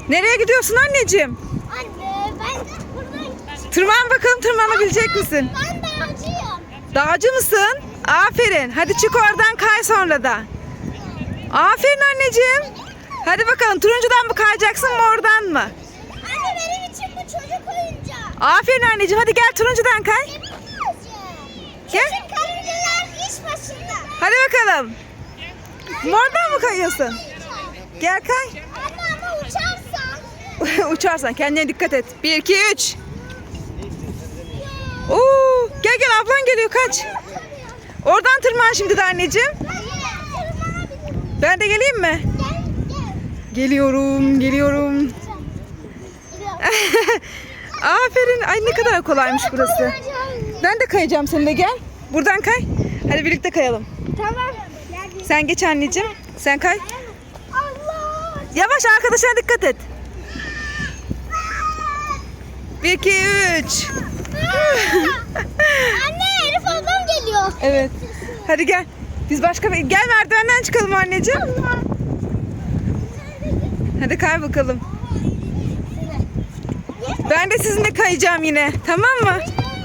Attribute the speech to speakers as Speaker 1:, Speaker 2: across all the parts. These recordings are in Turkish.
Speaker 1: Nereye gidiyorsun anneciğim?
Speaker 2: Anne ben buradayım.
Speaker 1: Tırman bakalım, tırmanabilecek misin?
Speaker 2: Ben dağcıyım.
Speaker 1: Dağcı mısın? Aferin. Hadi çık oradan, kay sonra da. Aferin anneciğim. Hadi bakalım, turuncudan mı kayacaksın, mordan mı?
Speaker 2: Anne benim için bu çocuk oyuncağı.
Speaker 1: Aferin anneciğim, hadi gel turuncudan kay. Gel.
Speaker 2: Küçük karıncalar iş başında.
Speaker 1: Hadi bakalım. Mordan mı kayıyorsun? Gel kay.
Speaker 2: Anne ama uçarsan.
Speaker 1: Uçarsan kendine dikkat et. 1, 2, 3. Oo, gel gel, ablan geliyor, kaç. Oradan tırman şimdi de anneciğim. Ben de geleyim mi? Geliyorum, geliyorum. Aferin. Ay ne kadar kolaymış burası. Ben de kayacağım seninle, gel. Buradan kay. Hadi birlikte kayalım.
Speaker 2: Tamam.
Speaker 1: Sen geç anneciğim. Sen kay.
Speaker 2: Allah.
Speaker 1: Yavaş, arkadaşına dikkat et. 1, 2, 3.
Speaker 2: Anne Elif ablam geliyor.
Speaker 1: Evet. Hadi gel. Biz başka bir... Gel merdivenden çıkalım anneciğim. Hadi kay bakalım. Ben de sizinle kayacağım yine. Tamam mı?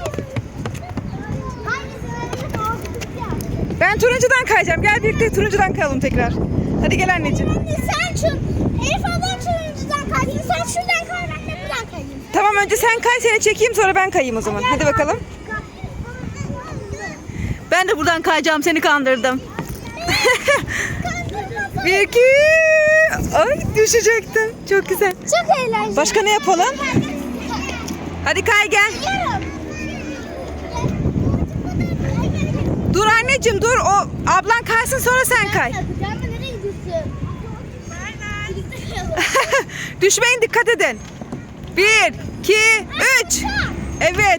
Speaker 1: Ben turuncudan kayacağım. Gel birlikte turuncudan kayalım tekrar. Hadi gel anneciğim.
Speaker 2: Anne sen şu Elif ablam turuncudan kaydın. Sen şuradan kay, ben de buradan kayayım.
Speaker 1: Tamam, önce sen kay, seni çekeyim, sonra ben kayayım o zaman. Hadi bakalım. Ben de buradan kayacağım, seni kandırdım. 1, 2. Ay düşecektim. Çok güzel.
Speaker 2: Çok eğlenceli.
Speaker 1: Başka ne yapalım? Hadi kay gel. Dur anneciğim, dur. O ablan kaysın, sonra sen kay.
Speaker 2: Nereye gidiyorsun?
Speaker 1: Düşmeyin, dikkat edin. 1, 2, 3. Evet.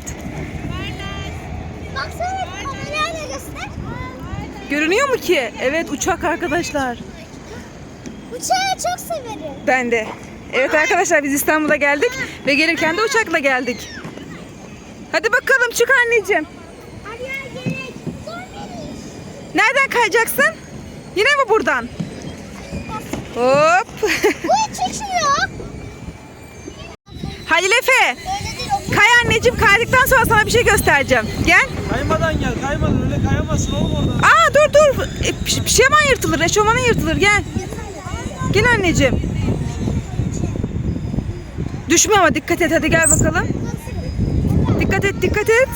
Speaker 2: Baksana kameraya da göster.
Speaker 1: Görünüyor mu ki? Evet, uçak arkadaşlar.
Speaker 2: Uçağı çok severim.
Speaker 1: Ben de. Evet arkadaşlar, biz İstanbul'a geldik ve gelirken de uçakla geldik. Hadi bakalım, çık anneciğim.
Speaker 2: Hadi ya gerek. Zor bir iş.
Speaker 1: Nereden kayacaksın? Yine mi buradan? Hop.
Speaker 2: Bu çıkmıyor.
Speaker 1: Halil Efe.
Speaker 2: Öyle değil o.
Speaker 1: Kay anneciğim, kaydıktan sonra sana bir şey göstereceğim. Gel.
Speaker 3: Kaymadan gel, kaymadan öyle kayamazsın oğlum oradan.
Speaker 1: Aa dur. Pişeman yırtılır, eşofmanın yırtılır. Gel. Gel anneciğim. Düşme ama dikkat et, hadi gel bakalım. Dikkat et.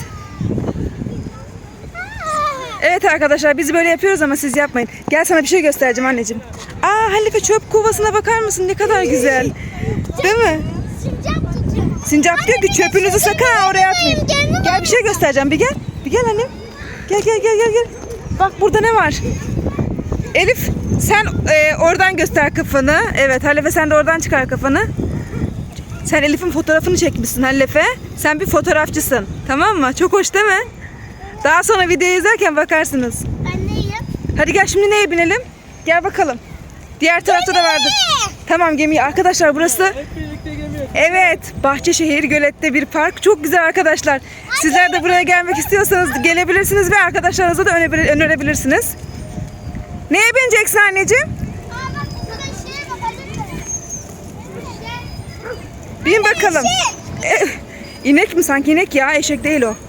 Speaker 1: Evet arkadaşlar, biz böyle yapıyoruz ama siz yapmayın. Gel, sana bir şey göstereceğim anneciğim. Aa Halife, çöp kovasına bakar mısın? Ne kadar güzel. Değil mi?
Speaker 2: Sincap tutuyor.
Speaker 1: Sincap diyor ki çöpünüzü sakın oraya atmayın. Gel, bir şey göstereceğim. Bir gel. Bir gel annem. Gel. Bak burada ne var? Elif sen oradan göster kafanı. Evet Halife, sen de oradan çıkar kafanı. Sen Elif'in fotoğrafını çekmişsin Halife. Sen bir fotoğrafçısın. Tamam mı? Çok hoş değil mi? Daha sonra videoyu izlerken bakarsınız.
Speaker 2: Ben neyim?
Speaker 1: Hadi gel, şimdi neye binelim? Gel bakalım. Diğer tarafta da vardır. Tamam, gemi. Arkadaşlar burası...
Speaker 3: Hep birlikte gemiye.
Speaker 1: Evet, Bahçeşehir Gölet'te bir park. Çok güzel arkadaşlar. Sizler de buraya gelmek istiyorsanız gelebilirsiniz ve arkadaşlarınıza da önerebilirsiniz. Neye bineceksin anneciğim?
Speaker 2: Aa bak burada şeye bakabilirim.
Speaker 1: Bin bakalım. İnek mi? Sanki inek ya. Eşek değil o.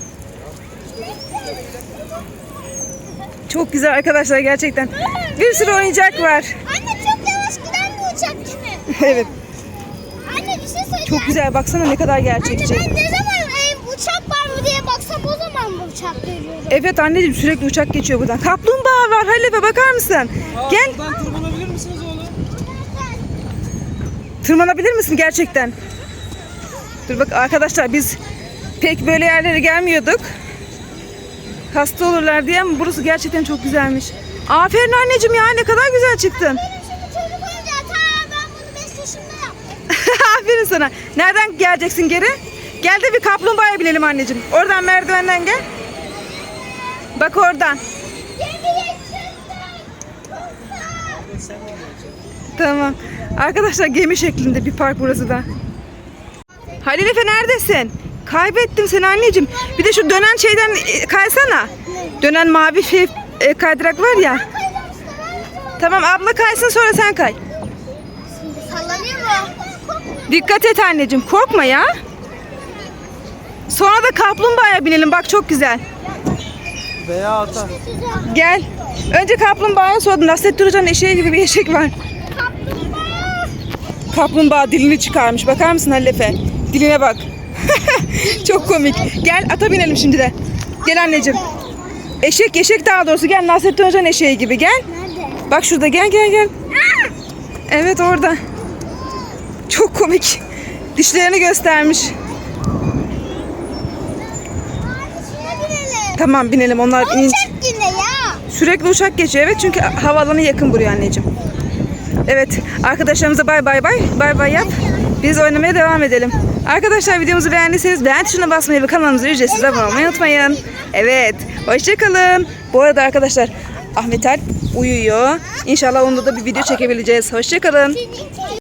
Speaker 1: Çok güzel arkadaşlar gerçekten. Bir sürü oyuncak var.
Speaker 2: Anne çok yavaş giden bir uçak değil mi?
Speaker 1: Evet.
Speaker 2: Anne bir şey söyleyeceğim.
Speaker 1: Çok güzel. Baksana ne kadar
Speaker 2: Anne
Speaker 1: gerçekçi.
Speaker 2: ben ne zaman uçak var mı diye baksam o zaman mı uçak görüyorum?
Speaker 1: Evet anneciğim, sürekli uçak geçiyor buradan. Kaplumbağa var. Halife bakar mısın?
Speaker 3: Aa,
Speaker 1: Gel.
Speaker 3: Buradan tırmanabilir misiniz oğlum?
Speaker 1: Tırmanabilir misin gerçekten? Dur bak arkadaşlar, biz pek böyle yerlere gelmiyorduk. Hasta olurlar diye, ama burası gerçekten çok güzelmiş. Aferin anneciğim ya, ne kadar güzel çıktın.
Speaker 2: Benim şimdi çocuk oyuncağı. Ben bunu 5 yaşında yaptım.
Speaker 1: Aferin sana. Nereden geleceksin geri? Gel de bir kaplumbağaya binelim anneciğim. Oradan merdivenden gel. Bak oradan.
Speaker 2: Gemiye çıktım.
Speaker 1: Tamam. Arkadaşlar gemi şeklinde bir park burası da. Halil Efe neredesin? Kaybettim seni anneciğim. Bir de şu dönen şeyden kaysana. Dönen mavi şey kaydırak var ya. Tamam, abla kaysın, sonra sen kay.
Speaker 2: Sallanıyor mu?
Speaker 1: Dikkat et anneciğim, korkma ya. Sonra da kaplumbağaya binelim, bak çok güzel.
Speaker 3: Veya ata.
Speaker 1: Gel. Önce kaplumbağaya, sonra da Nasrettin Hoca'nın eşeği gibi bir eşek var. Kaplumbağa dilini çıkarmış. Bakar mısın Halil Efe? Diline bak. Çok komik. Gel ata binelim şimdi de. Gel anneciğim. Eşek daha doğrusu. Gel Nasrettin Hoca'nın eşeği gibi gel.
Speaker 2: Nerede?
Speaker 1: Bak şurada gel. Evet orada. Çok komik. Dişlerini göstermiş.
Speaker 2: Şuna binelim.
Speaker 1: Tamam binelim, onlar inince.
Speaker 2: Uçak yine ya.
Speaker 1: Sürekli uçak geçiyor evet, çünkü havaalanı yakın buraya anneciğim. Evet arkadaşlarımıza bay bay yap. Biz oynamaya devam edelim. Arkadaşlar videomuzu beğendiyseniz beğen tuşuna basmayı ve kanalımıza ücretsiz abone olmayı unutmayın. Evet hoşçakalın. Bu arada arkadaşlar Ahmet Alp uyuyor. İnşallah onda da bir video çekebileceğiz. Hoşçakalın.